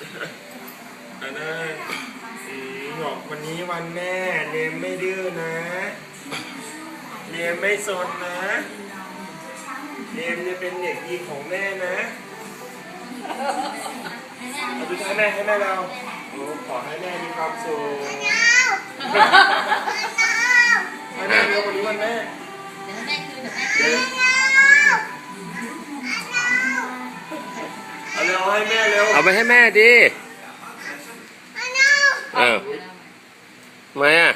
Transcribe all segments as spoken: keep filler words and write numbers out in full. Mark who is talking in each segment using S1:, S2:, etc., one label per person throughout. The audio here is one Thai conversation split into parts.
S1: อันนั้นบอกวันนี้วันแม่เนมไม่ดื้อนะเนมไม่ซนนะเนมจะเป็นเด็กดีของแม่นะเอาดูให้แม่ให้แม่เราโอ้ขอให้แม่มีความสุขให้แม่เร็ววันนี้วันแม่
S2: เดี๋ยวให้แม่คืนเดี๋ยวแม่คืน
S1: เอาเร็วให้แม่เร็ว
S3: เอาไปให้แม่ดิอ้าวทำไมอ่ะ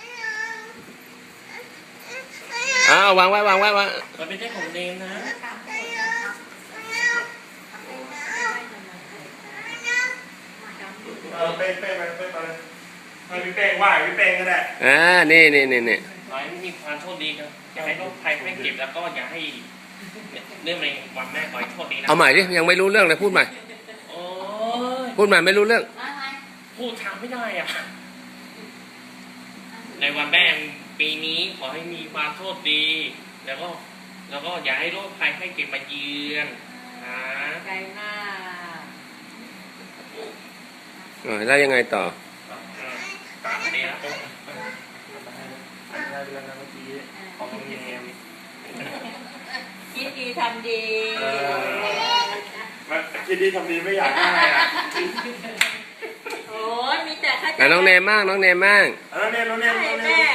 S3: อ้าววางไว้วางไว้วาง
S1: มันไม่ใช่ของเนมนะเออเป้งเป้งไปเป้งไปเลยให้พี่เป้งไหวพี่เป้งก็ได้
S3: อ่านี่นี่นี่นี่
S4: ขอให้มีความโชคดีครับอย่าให้โรคภัยไม่เก็บแล้วก็อย่าให้เรื่องในวันแม่ขอให้โชคดีนะ
S3: เอาใหม่ดิยังไม่รู้เรื่องเลยพูดใหม่
S4: โอ้ย
S3: พูดใหม่ไม่รู้เรื่อง
S4: พูดทางไม่ได้อ่ะในวันแม่ปีนี้ขอให้มีความโชคดีแล้วก็แล้วก็อย่าให้โรคภัยไม่เก็บมาเยือนนะ
S2: ใจมาก
S3: เออแล้วยังไงต่อ
S4: ตามนี้นะ
S1: ได้เรื่องนะเมื่อกี้ของเนม
S2: คิดดีทำดี
S1: คิดดีทำดีไม่อยากได้อ่ะ
S2: โอ้ยมีแต่ข้า
S3: แต่น้องเนมมากน้องเนมมาก
S1: น้องเนมน้องเนมน้องเนม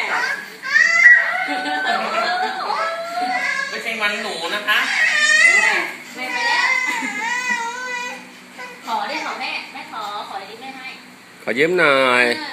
S4: ไม่ใช่วันหนูนะคะ
S2: ไม่ไปแล้วขอได้ขอแม่แม่ขอขอดิ้งได้ไหม
S3: ขอยืมหน่อย
S2: เออ